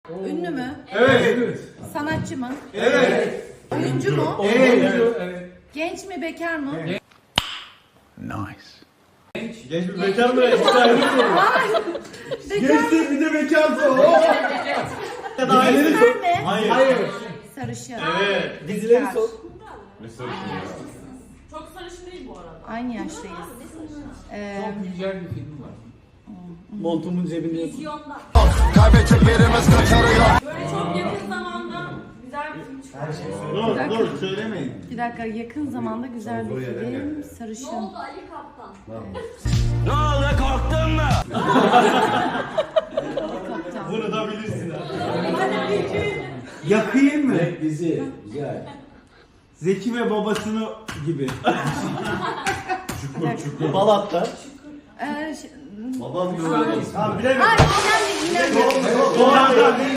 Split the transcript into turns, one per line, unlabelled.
Ünlü mü?
Evet.
Sanatçı mı?
Evet.
Oyuncu mu?
Evet.
Genç mi, bekar mı?
Genç bir bekar mı? Güzel bir soru. Genç değil bir de bekar soru.
Diziler mi?
Hayır.
Sarışın.
Evet.
Dizileri
sor.
Çok sarışın değil bu arada.
Aynı yaştayız.
Çok güzel bir film var.
Montumun cebinde.
Vizyonda. Böyle çok yakın zamanda güzel bir film çıkardı.
Dur söylemeyin.
Bir dakika, yakın zamanda güzel bir film.
Ne
Sarışın.
oldu Ali Kaptan?
Kaptan.
Bunu da bilirsin.
Yakayım mı?
Dizi. Güzel.
Zeki ve babasını gibi.
Balat'ta.
Ee, ş-
Babam görüyor. Tamam bilemedim.
Ay, İrem de İrem de.
Doğru.